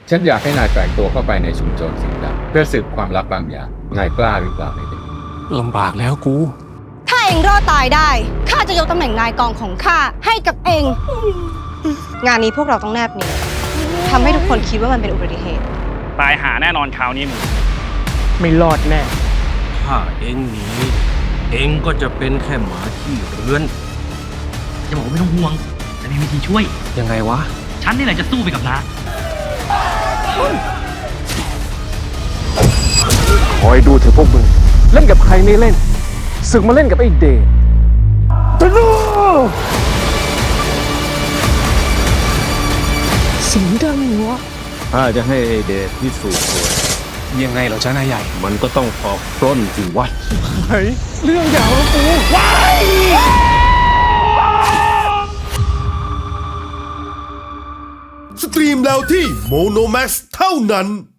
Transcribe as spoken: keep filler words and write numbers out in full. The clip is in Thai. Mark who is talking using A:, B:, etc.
A: ฉันอยากให้นายแฝงตัวเข้าไปในชุมชนสีดำเพื่อสืบความลับบางอย่างนายกล้าหรือเปล่าไอ้เด็ก
B: ลำบากแล้วกู
C: ถ้าเองรอดตายได้ ข้าจะยกตำแหน่งนายกองของข้าให้กับเอง งานนี้พวกเราต้องแนบเนียนทำให้ทุกคนคิดว่ามันเป็นอุบัติเหตุ
D: ตายหาแน่นอนคราวนี้มึง
B: ไม่รอดแน่
E: ถ้าเองหนีเองก็จะเป็นแค่หมาที่เรือน
F: จะบอกว่าไม่ต้องห่วงจะมีวิธีช่วย
B: ยังไงวะ
F: ฉันนี่แหละจะสู้ไปกับน้า
B: คอยดูเถอะพวกมึง เล่นกับใครไม่เล่น ศึกมาเล่นกับไอ้เดชตะโนเสียงดังวะ
E: ถ้าจะให้ไอเดชพิสูจน์ตัว
B: ยังไงเหรอจ้านายใหญ่
E: มันก็ต้องออกปล้นสิวะ
B: เฮ้ยเรื่องยาวแล้วกู
G: สตรีมแล้วที่โมโนแม็กซ์เท่านั้น